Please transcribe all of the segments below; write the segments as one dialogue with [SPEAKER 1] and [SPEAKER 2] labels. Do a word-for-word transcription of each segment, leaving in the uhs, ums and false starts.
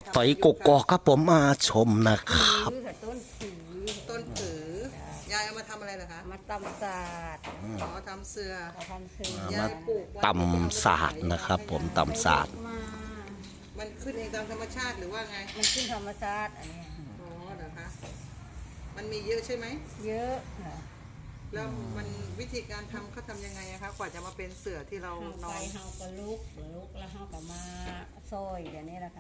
[SPEAKER 1] ต่อยกกอกครับผมมาชมนะครับ
[SPEAKER 2] ผือค่ะต้นผือ
[SPEAKER 3] ต้นผือยายเอามาทำอะไรเหรอคะ
[SPEAKER 2] มาตำศาสตร์
[SPEAKER 3] ขอทำเสือ
[SPEAKER 2] มาทำเสือ
[SPEAKER 3] ยายปลูกไว้
[SPEAKER 1] ตำศาสตร์นะครับผมตำศาสตร์
[SPEAKER 2] มา
[SPEAKER 3] มันขึ้นเองตามธรรมชาติหรือว่าไง
[SPEAKER 2] มันขึ้นธรรมชาติอันเนี้ย
[SPEAKER 3] อ๋อเหรอคะ มันมีเยอะใช่ไหม
[SPEAKER 2] เยอะค่ะ
[SPEAKER 3] แล้วมันวิธีการทำเขาทำยังไงอะคะกว่าจะมาเป็นเสือที่เรา
[SPEAKER 2] เฮาน
[SPEAKER 3] อ
[SPEAKER 2] ไป
[SPEAKER 3] น
[SPEAKER 2] เฮาก็ลุกลุกแล้วเฮาก็มาซอยเดี๋ยวนี้แหละค่ะ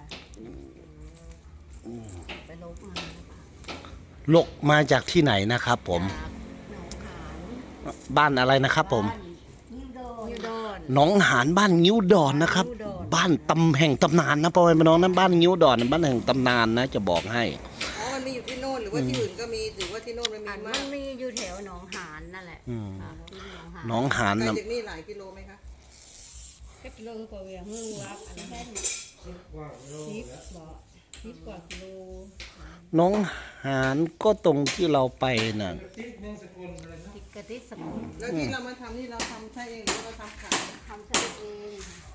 [SPEAKER 2] ไปลุกมา
[SPEAKER 1] ลกมาจากที่ไหนนะครับผม
[SPEAKER 2] จากหนองหาน
[SPEAKER 1] บ้านอะไรนะครับผม
[SPEAKER 2] นิวโดนนิวโดน
[SPEAKER 1] หนองหานบ้านงิ้วดอนนะครับ
[SPEAKER 2] งิ้วดอน
[SPEAKER 1] บ้านตำแห่งตำนานนะพ่อแม่พี่น้องนะบ้านงิ้วดอนบ้านแห่งตำนานนะจะบอกให้
[SPEAKER 3] อ๋อ มันมีอยู่ที่โน่นหรือว่าที่อื่นก็มีหรือว่าที่โน่นมันมี
[SPEAKER 2] อัน
[SPEAKER 3] มา
[SPEAKER 2] มั
[SPEAKER 3] ก
[SPEAKER 2] นมีอยู่แถวหนองหานนั่นแหละ
[SPEAKER 1] อืม
[SPEAKER 2] อ่าที่หนองหาน
[SPEAKER 1] หนองหาน
[SPEAKER 3] ไกล
[SPEAKER 1] นะ
[SPEAKER 3] จากนี่หลายกิโลไหมคะ
[SPEAKER 2] เก็บโลกว่าเวียงเมืองรับอันนั้นแค่สิบกว่าโลสิบบ่สิบกว่ากิโล
[SPEAKER 1] หน้องหานก็ตรงที่เราไปน่ะ
[SPEAKER 2] ติดกระติดสมุน
[SPEAKER 3] แล้วที่เรามาทำนี่เราทำใช่เองหรือเราทำขาย
[SPEAKER 2] ทำใช้เอง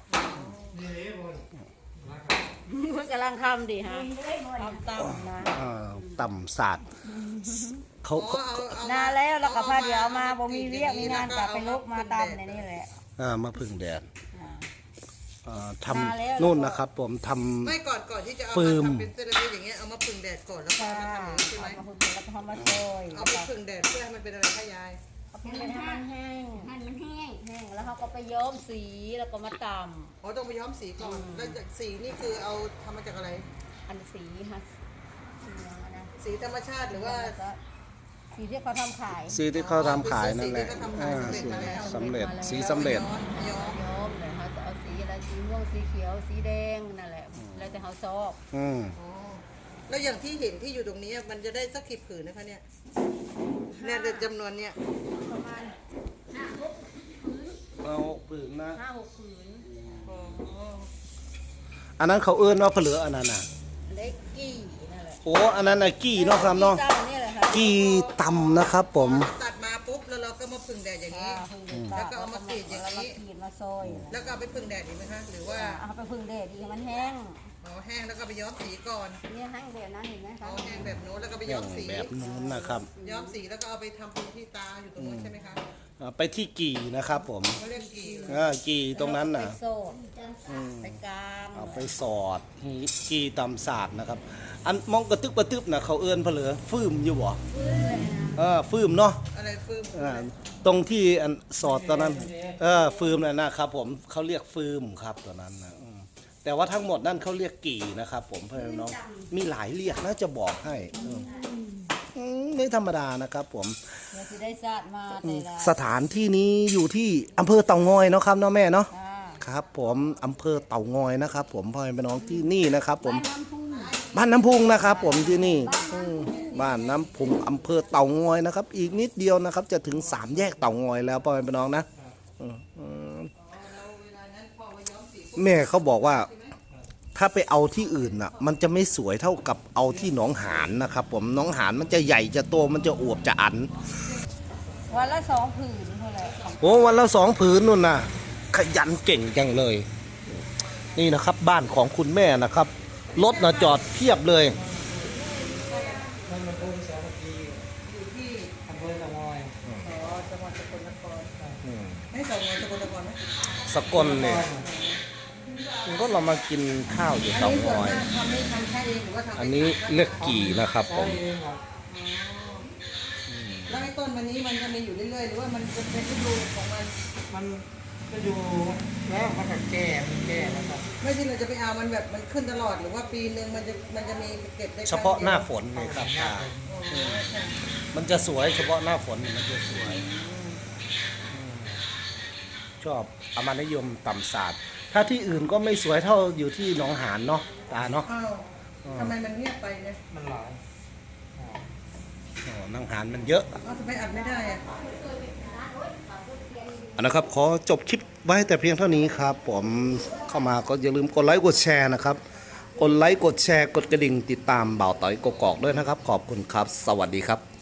[SPEAKER 2] มันกำลังทำดิฮะทำตำนะ
[SPEAKER 1] เอ่อตำศาสตร์เขา
[SPEAKER 3] อ๋อ
[SPEAKER 1] เขา
[SPEAKER 3] เอาเอา
[SPEAKER 2] นานแล้วแล้วก็พาเดี๋ยวเอามาบ่มีเรียกมีงานกลับไปลุกมาตำในนี่แหละ
[SPEAKER 1] เอ่อมาพึ่งแดด
[SPEAKER 2] อ่า
[SPEAKER 1] เอ่อท
[SPEAKER 2] มาแล้ว
[SPEAKER 1] ำนู่นนะครับผมทำ
[SPEAKER 3] ไม่ก่อนก่อนที่จะเอา
[SPEAKER 1] ฟื
[SPEAKER 3] มาม ทำเป็นเซรามิกอย่างเงี้ยเอามาผึ่งแดดก่อนแล้วก็
[SPEAKER 2] ค่ะ
[SPEAKER 3] เอามาทำอย่างนี้ใช่ไหม
[SPEAKER 2] เอามาพึ่งแล้วก็ทำมาซอย
[SPEAKER 3] เอาไปผึ่งแดดเพื่อให้มันเป็นอะไรคะยาย
[SPEAKER 2] เอาไปให้มันแห้งให้มันแห้งแห้งแล้วเขาก็ไปย้อมสีแล้วก็มาต
[SPEAKER 3] อ๋อต้องไปย้อมสีก่อนแล้วจากสีนี่คือเอาทำมาจากอะไร
[SPEAKER 2] ำอันสีฮะสีอะไรนะ
[SPEAKER 3] สีธรรมชาติหรือว่า
[SPEAKER 2] แล้วก็สีที่เขาทำขาย
[SPEAKER 1] สีที่เขาทำขายนั่นแหละ
[SPEAKER 3] สีที่เขาทำขาย
[SPEAKER 1] อ่า
[SPEAKER 3] สำเร็จ
[SPEAKER 1] สี
[SPEAKER 3] มาแล้ว
[SPEAKER 1] สำเร็จสีสำเร็จ
[SPEAKER 3] ย้อมย้อม
[SPEAKER 2] ย้อมเลยเขาจะเอาสีอะไรสีม่วงสีเขียวสีแดงนั่นแหละ แล้วแต่เขาชอบ
[SPEAKER 1] อืม
[SPEAKER 3] อ๋อแล้วอย่างที่เห็นที่อยู่ตรงนี้มันจะได้สักกี่ผืนนะคะเนี่ยเนี่ยเดี๋ยวจำนวนเนี่ย
[SPEAKER 2] ประมาณห้าหก
[SPEAKER 1] เอาปืนนะ
[SPEAKER 2] ห้าหกผืน
[SPEAKER 3] อ๋อ
[SPEAKER 1] อันนั้นเขาเอื้อนว่าเผลืออันนั้นน่ะ
[SPEAKER 2] เล็กกี่นั่นแหละ
[SPEAKER 1] โอ้อันนั้นน่ะกี้เนาะครับเนาะ
[SPEAKER 2] ตั้งนี่แหละค่ะ
[SPEAKER 1] กี้ตำนะครับผม
[SPEAKER 3] ตัดมาปุ๊บแล้วเราก็มาผึ่งแดดอย่างนี้
[SPEAKER 2] อ่าพึ่งเด็ด
[SPEAKER 3] แล้วก็เอามากรีดอย่างนี้
[SPEAKER 2] แล้วก็กรีดมาซอย
[SPEAKER 3] แล้วก็เอาไปผึ่งแดดอีกไหมคะหรือว่า
[SPEAKER 2] เอาไปพึ่งเด็ดอีกมันแห้ง
[SPEAKER 3] อ๋อแห้งแล้วก็ไปย้อมสีก่อน
[SPEAKER 2] เนี่ยแห้งแบบนั้นเห็นไหม
[SPEAKER 3] อ๋
[SPEAKER 2] คะ
[SPEAKER 3] อแห้งแบบโน้นแล้วก็ไป
[SPEAKER 1] อ
[SPEAKER 3] ย้
[SPEAKER 1] ย่า
[SPEAKER 3] อง มสี
[SPEAKER 1] แบบนู้นนะครับ
[SPEAKER 3] ย้อมสีแล้วก็เอาไปทำเป็นที่ตาอยู่ตรงนู้นใช่ไหมคะ
[SPEAKER 1] อ่าไปที่กี่นะครับผม
[SPEAKER 3] เขาเรียกกี่เหรอ
[SPEAKER 1] อ่ากี่ตรงนั้นน่ะ
[SPEAKER 2] ไปโซดไปกลาง
[SPEAKER 1] เอาไปสอดกี่ตำศาสตร์นะครับ อันมองกระตึกกระตึบนะเขาเอื้อนเผลือฟืมอยู่บ่เออฟืมเนาะ
[SPEAKER 3] อะไรฟืม
[SPEAKER 1] อ่าตรงที่อันสอดตอนนั้น เออฟืมนั่นนะครับผมเขาเรียกฟืมครับตอนนั้นนะอืมแต่ว่าทั้งหมดนั่นเขาเรียกกี่นะครับผมเพื่อนน้องมีหลายเรียกนะจะบอกให้อืมอืมไม่ธรรมดานะครับผม
[SPEAKER 2] เดี๋ยวจะได้สาดมาแต่ละ
[SPEAKER 1] สถานที่นี้อยู่ที่อำเภอเต่างอยเนาะครับเนาะแม่เนาะ
[SPEAKER 2] อ่า
[SPEAKER 1] ครับผมอำเภอเต่างอยนะครับ ผมพ่อแม่พี่น้องที่นี่นะครับ ผม
[SPEAKER 2] น้ำพุ่ง
[SPEAKER 1] บ้านน้ำพุงนะครับ ผมที่นี่อืมบ้านน้ำพุงอำเภอเต่างอยนะครับ อีกนิดเดียวนะครับ จะถึงสามแยกเต่างอยแล้วพ่อแม่พี่น้องนะอืมอืมแม่เขาบอกว่า ถ้าไปเอาที่อื่นน่ะ มันจะไม่สวยเท่ากับเอาที่หนองหานนะครับ ผมหนองหานมันจะใหญ่จะโตมันจะอวบจะอัน
[SPEAKER 2] วันละสองผืนเท่าไหร่ของ
[SPEAKER 1] โอ้วันละสองผืนนู่นนะขยันเก่งจังเลย นี่นะครับ บ้านของคุณแม่นะครับรถนะจอดเพียบเลย
[SPEAKER 3] อยู่ที่อำเภอตะงอยอ๋อจังหวัดสกลนครไม่ตะงอยสกลนครไหม
[SPEAKER 1] สกลเนี่ยก็เรามากินข้าวอยู่
[SPEAKER 3] อัน
[SPEAKER 1] เตา
[SPEAKER 3] นี้ส่วน
[SPEAKER 1] งอย
[SPEAKER 3] มากทำนี่ทำแค่เองหรือว่าทำ
[SPEAKER 1] อันนี้เลือกกี่นะครับผม
[SPEAKER 3] แล้วไอ้ต้นมันนี้มันจะมีอยู่เรื่อยๆหรือว่ามันจะเป็นฤดูของมัน
[SPEAKER 4] มันก็อยู่แล้วมันก็แก่มันแก่แล้วครับ
[SPEAKER 3] ไม่ใช่เราจะไปเอามันแบบมันขึ้นตลอดหรือว่าปีหนึ่งมันจะมันจะมีเก็บได้ค
[SPEAKER 1] เฉ
[SPEAKER 3] รั้ง
[SPEAKER 1] พาะหน้า
[SPEAKER 3] ดียว
[SPEAKER 1] ฝนเลยครับป้า
[SPEAKER 3] อ๋อค่ะ
[SPEAKER 1] มันจะสวยเฉพาะหน้าฝนมันจะสวยชอบอามานิยมต่ำศาสตร์ถ้าที่อื่นก็ไม่สวยเท่าอยู่ที่หนองหานเนาะตาเนาะ
[SPEAKER 3] อ้าวทำไมมันเงียบไปเนี่ย
[SPEAKER 4] มันหลาย
[SPEAKER 1] อ๋อหนองหานมันเยอะ
[SPEAKER 3] อ้าวทำไมอัดไม่ได้อะ
[SPEAKER 1] อันนะครับขอจบคลิปไว้แต่เพียงเท่านี้ครับผมเข้ามาก็อย่าลืมกดไลค์กดแชร์นะครับกดไลค์กดแชร์กดกระดิ่งติดตามบ่าวต่อยกกอกด้วยนะครับ ขอบคุณครับ สวัสดีครับ